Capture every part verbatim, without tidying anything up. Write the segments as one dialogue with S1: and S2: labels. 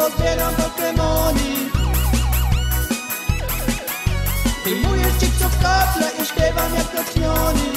S1: zbieram Pokemoni. Wyjmuję chipsów kaple i śpiewam jak kotnioni.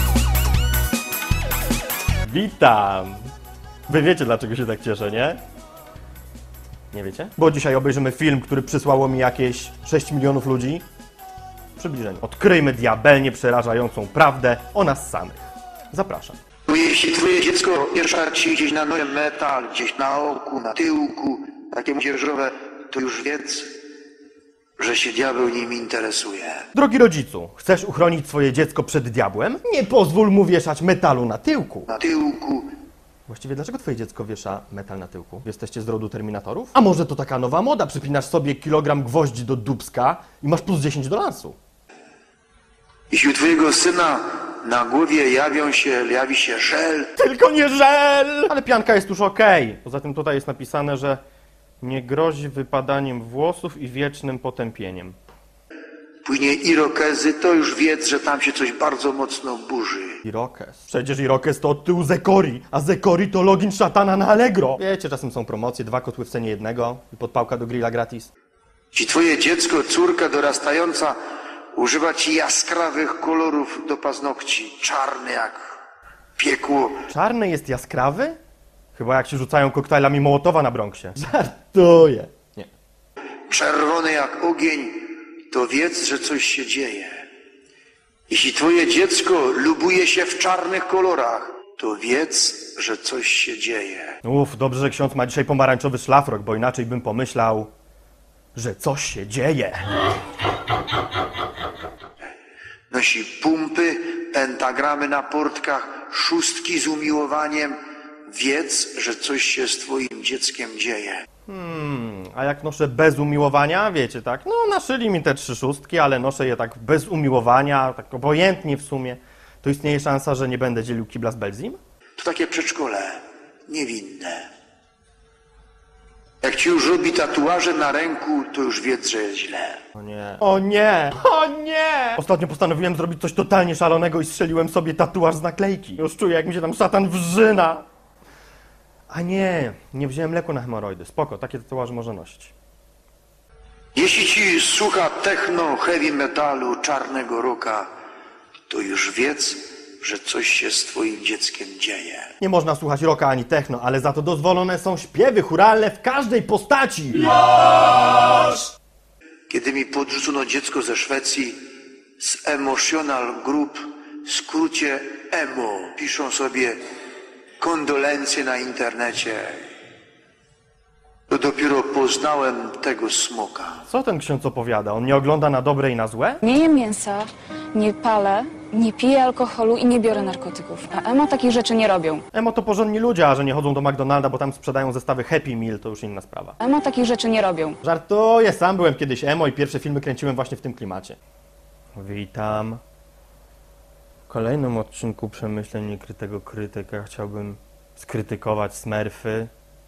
S2: Witam! Wy wiecie, dlaczego się tak cieszę, nie? Nie wiecie? Bo dzisiaj obejrzymy film, który przysłało mi jakieś sześć milionów ludzi. W przybliżeniu. Odkryjmy diabelnie przerażającą prawdę o nas samych. Zapraszam.
S3: Jeśli twoje dziecko pierwsza ci gdzieś na nosie metal, gdzieś na oku, na tyłku, takie dzierżowe, to już wiedz, że się diabeł nim interesuje.
S2: Drogi rodzicu, chcesz uchronić swoje dziecko przed diabłem? Nie pozwól mu wieszać metalu na tyłku.
S3: Na tyłku.
S2: Właściwie dlaczego twoje dziecko wiesza metal na tyłku? Jesteście z rodu Terminatorów? A może to taka nowa moda? Przypinasz sobie kilogram gwoździ do dupska i masz plus dziesięć do lansu.
S3: Jeśli u twojego syna na głowie jawią się, jawi się żel,
S2: Tylko nie żel! Ale pianka jest już okej. Poza tym tutaj jest napisane, że nie grozi wypadaniem włosów i wiecznym potępieniem.
S3: później irokezy, to już wiedz, że tam się coś bardzo mocno burzy.
S2: Irokes. Przecież Irokes to od tyłu Zekori, a Zekori to login szatana na Allegro. Wiecie, czasem są promocje, dwa kotły w cenie jednego i podpałka do grilla gratis.
S3: Jeśli twoje dziecko, córka dorastająca używa ci jaskrawych kolorów do paznokci, czarny jak piekło,
S2: Czarny jest jaskrawy? Chyba jak się rzucają koktajlami Mołotowa na Bronxie. Żartuję. Nie.
S3: czerwony jak ogień, to wiedz, że coś się dzieje. Jeśli twoje dziecko lubuje się w czarnych kolorach, to wiedz, że coś się dzieje.
S2: Uff, dobrze, że ksiądz ma dzisiaj pomarańczowy szlafrok, bo inaczej bym pomyślał, że coś się dzieje.
S3: Nosi pumpy, pentagramy na portkach, szóstki z umiłowaniem. Wiedz, że coś się z twoim dzieckiem dzieje.
S2: Hmm, a jak noszę bez umiłowania, wiecie, tak, no naszyli mi te trzy szóstki, ale noszę je tak bez umiłowania, tak obojętnie w sumie, to istnieje szansa, że nie będę dzielił kibla z Belzim?
S3: To takie przedszkole, niewinne. Jak ci już robi tatuaże na ręku, to już wiedz, że jest źle.
S2: O nie. O nie! O nie! Ostatnio postanowiłem zrobić coś totalnie szalonego i strzeliłem sobie tatuaż z naklejki. Już czuję, jak mi się tam szatan wrzyna. A nie, nie wziąłem leku na hemoroidy. Spoko, takie tatuaże można nosić.
S3: Jeśli ci słucha techno, heavy metalu, czarnego rocka, to już wiedz, że coś się z twoim dzieckiem dzieje.
S2: Nie można słuchać rocka ani techno, ale za to dozwolone są śpiewy chóralne w każdej postaci.
S3: Kiedy mi podrzucono dziecko ze Szwecji z Emotional Group, w skrócie emo, piszą sobie kondolencje na internecie, to dopiero poznałem tego smoka.
S2: Co ten ksiądz opowiada? On nie ogląda na dobre i na złe?
S4: Nie jem mięsa, nie palę, nie piję alkoholu i nie biorę narkotyków. A emo takich rzeczy nie robią.
S2: Emo to porządni ludzie, a że nie chodzą do McDonalda, bo tam sprzedają zestawy Happy Meal, to już inna sprawa.
S4: Emo takich rzeczy nie robią.
S2: Żartuję, sam byłem kiedyś emo i pierwsze filmy kręciłem właśnie w tym klimacie. Witam. W kolejnym odcinku Przemyśleń Niekrytego Krytyka chciałbym skrytykować Smurfy.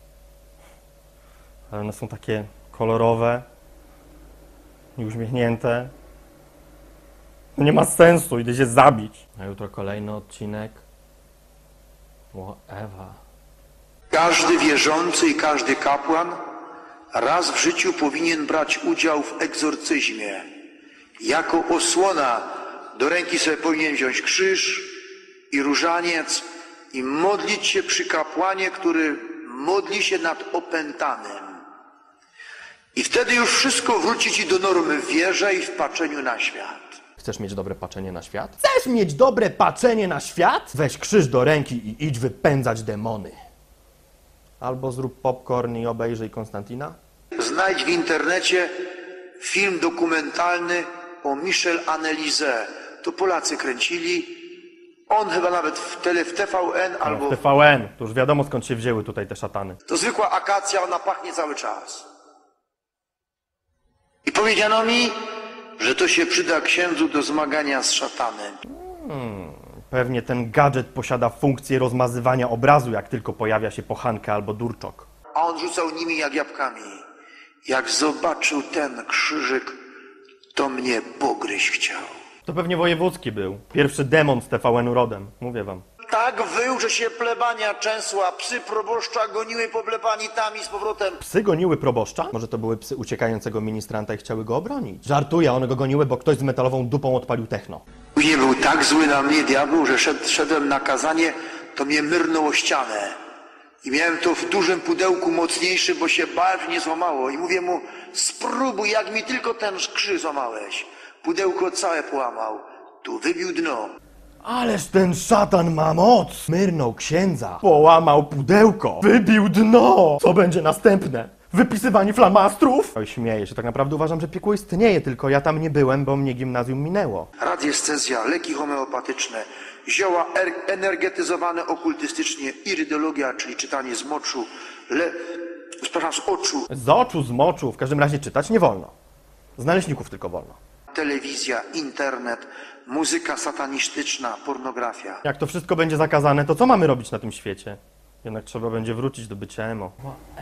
S2: Ale one są takie kolorowe i uśmiechnięte. To nie ma sensu, idę się zabić. A jutro kolejny odcinek. O, Ewa.
S3: Każdy wierzący i każdy kapłan raz w życiu powinien brać udział w egzorcyzmie. Jako osłona do ręki sobie powinien wziąć krzyż i różaniec i modlić się przy kapłanie, który modli się nad opętanym. I wtedy już wszystko wróci ci do normy w wierze i w patrzeniu na świat.
S2: Chcesz mieć dobre patrzenie na świat? Chcesz mieć dobre patrzenie na świat? Weź krzyż do ręki i idź wypędzać demony. Albo zrób popcorn i obejrzyj Konstantina.
S3: Znajdź w internecie film dokumentalny o Michel Annelise. To Polacy kręcili. On chyba nawet w, tele, w T V N albo...
S2: W T V N, to już wiadomo skąd się wzięły tutaj te szatany.
S3: To zwykła akacja, ona pachnie cały czas. I powiedziano mi, że to się przyda księdzu do zmagania z szatanem.
S2: Hmm, pewnie ten gadżet posiada funkcję rozmazywania obrazu, jak tylko pojawia się pochanka albo durczok.
S3: A on rzucał nimi jak jabłkami. Jak zobaczył ten krzyżyk, to mnie pogryźć chciał.
S2: To pewnie wojewódzki był. Pierwszy demon z T V N-u rodem, mówię wam.
S3: Tak wył że się plebania częsła, psy proboszcza goniły po plebanitami z powrotem.
S2: Psy goniły proboszcza? Może to były psy uciekającego ministranta i chciały go obronić? Żartuję, one go goniły, bo ktoś z metalową dupą odpalił techno.
S3: Później był tak zły na mnie diabeł, że szed, szedłem na kazanie, to mnie myrnął o ścianę. I miałem to w dużym pudełku mocniejszy, bo się bałem, że nie złamało. I mówię mu, spróbuj, jak mi tylko ten krzyż złamałeś. Pudełko całe połamał. Tu wybił dno.
S2: Ależ ten szatan ma moc! Myrnął księdza, połamał pudełko, wybił dno! Co będzie następne? Wypisywanie flamastrów? Oj, śmieję się, tak naprawdę uważam, że piekło istnieje, tylko ja tam nie byłem, bo mnie gimnazjum minęło.
S3: Radiestezja, leki homeopatyczne, zioła er energetyzowane okultystycznie, irydologia, czyli czytanie z moczu, le... przepraszam, z oczu,
S2: Z oczu, z moczu, w każdym razie czytać nie wolno. Z naleśników tylko wolno.
S3: telewizja, internet, muzyka satanistyczna, pornografia.
S2: Jak to wszystko będzie zakazane, to co mamy robić na tym świecie? Jednak trzeba będzie wrócić do bycia emo.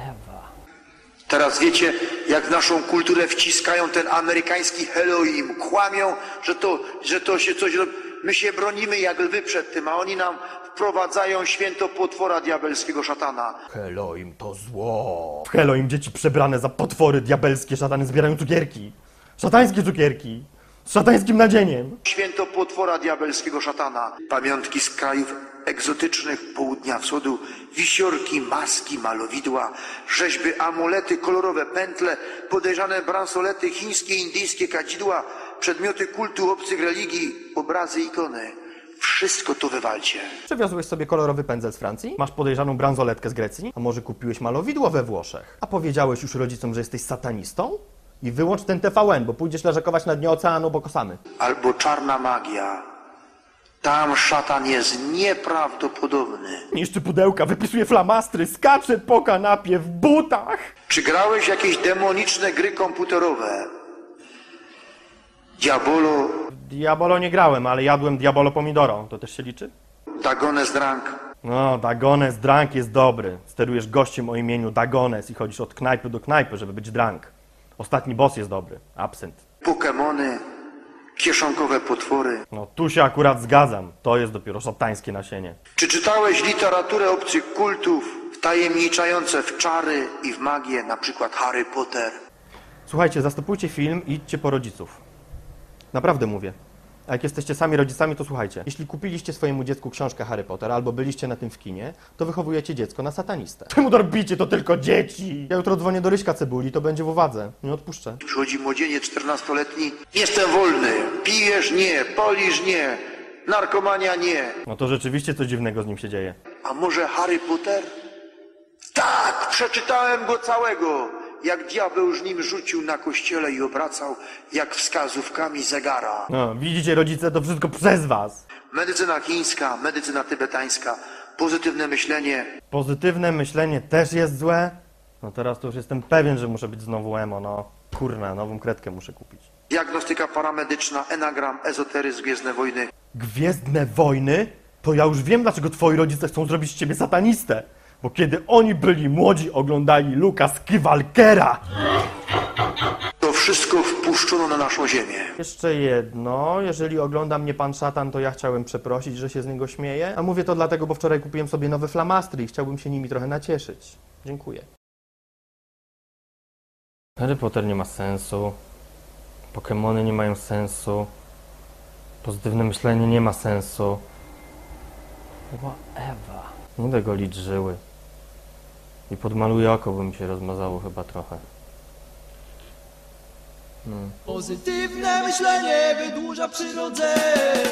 S3: Teraz wiecie, jak w naszą kulturę wciskają ten amerykański Halloween, kłamią, że to, że to się coś robi. My się bronimy jak lwy przed tym, a oni nam wprowadzają święto potwora diabelskiego szatana.
S2: Halloween to zło. W Halloween dzieci przebrane za potwory diabelskie szatany zbierają cukierki. Szatańskie cukierki. Z szatańskim nadzieniem.
S3: Święto potwora diabelskiego szatana. Pamiątki z krajów egzotycznych południa wschodu, wisiorki, maski, malowidła, rzeźby, amulety, kolorowe pętle, podejrzane bransolety, chińskie, indyjskie kadzidła, przedmioty kultu obcych religii, obrazy, ikony. Wszystko to wywalcie.
S2: Przewiozłeś sobie kolorowy pędzel z Francji? Masz podejrzaną bransoletkę z Grecji? A może kupiłeś malowidło we Włoszech? A powiedziałeś już rodzicom, że jesteś satanistą? I wyłącz ten T V N, bo pójdziesz leżakować na dnie oceanu bokosamy.
S3: Albo czarna magia. Tam szatan jest nieprawdopodobny.
S2: Niszczy pudełka, wypisuje flamastry, skacze po kanapie w butach.
S3: Czy grałeś jakieś demoniczne gry komputerowe? Diabolo,
S2: Diabolo nie grałem, ale jadłem Diabolo Pomidoro. To też się liczy?
S3: Dagones Drank,
S2: No, Dagones Drank jest dobry. Sterujesz gościem o imieniu Dagones i chodzisz od knajpy do knajpy, żeby być drank. Ostatni boss jest dobry. Absynt.
S3: Pokemony, kieszonkowe potwory.
S2: No, tu się akurat zgadzam. To jest dopiero szatańskie nasienie.
S3: Czy czytałeś literaturę obcych kultów, wtajemniczające w czary i w magię, na przykład Harry Potter?
S2: Słuchajcie, zastopujcie film i idźcie po rodziców. Naprawdę mówię. A jak jesteście sami rodzicami, to słuchajcie. Jeśli kupiliście swojemu dziecku książkę Harry Potter albo byliście na tym w kinie, to wychowujecie dziecko na satanistę. Czemu dorbicie to tylko dzieci? Ja jutro dzwonię do Ryśka Cebuli, to będzie w uwadze. Nie odpuszczę.
S3: Przychodzi młodzieniec czternastoletni. Jestem wolny. Pijesz? Nie. Polisz? Nie. Narkomania? Nie.
S2: No to rzeczywiście coś dziwnego z nim się dzieje.
S3: A może Harry Potter? Tak, przeczytałem go całego. Jak diabeł już nim rzucił na kościele i obracał, jak wskazówkami zegara.
S2: No, widzicie rodzice, to wszystko przez was.
S3: Medycyna chińska, medycyna tybetańska, pozytywne myślenie.
S2: Pozytywne myślenie też jest złe? No teraz to już jestem pewien, że muszę być znowu emo, no. Kurna, nową kredkę muszę kupić.
S3: Diagnostyka paramedyczna, enagram, ezoteryzm, Gwiezdne Wojny.
S2: Gwiezdne Wojny? To ja już wiem, dlaczego twoi rodzice chcą zrobić z ciebie satanistę. Bo kiedy oni byli młodzi, oglądali Luka Skywalkera.
S3: To wszystko wpuszczono na naszą ziemię.
S2: Jeszcze jedno, jeżeli ogląda mnie pan szatan, to ja chciałem przeprosić, że się z niego śmieję. A mówię to dlatego, bo wczoraj kupiłem sobie nowe flamastry i chciałbym się nimi trochę nacieszyć. Dziękuję. Harry Potter nie ma sensu. Pokemony nie mają sensu. Pozytywne myślenie nie ma sensu. Chyba Ewa. Nie będę golić żyły. I podmaluję oko, bo mi się rozmazało chyba trochę. Hmm.
S1: Pozytywne myślenie wydłuża przyrodzenie.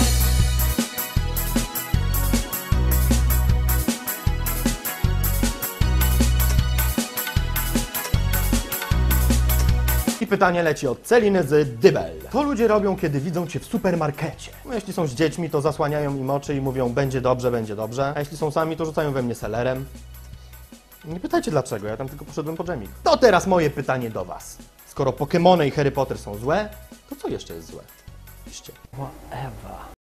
S2: I pytanie leci od Celiny z Dybel. Co ludzie robią, kiedy widzą cię w supermarkecie? No, jeśli są z dziećmi, to zasłaniają im oczy i mówią będzie dobrze, będzie dobrze. A jeśli są sami, to rzucają we mnie selerem. Nie pytajcie dlaczego, ja tam tylko poszedłem po dżemik. To teraz moje pytanie do was. Skoro Pokemony i Harry Potter są złe, to co jeszcze jest złe? Piszcie. Ewa.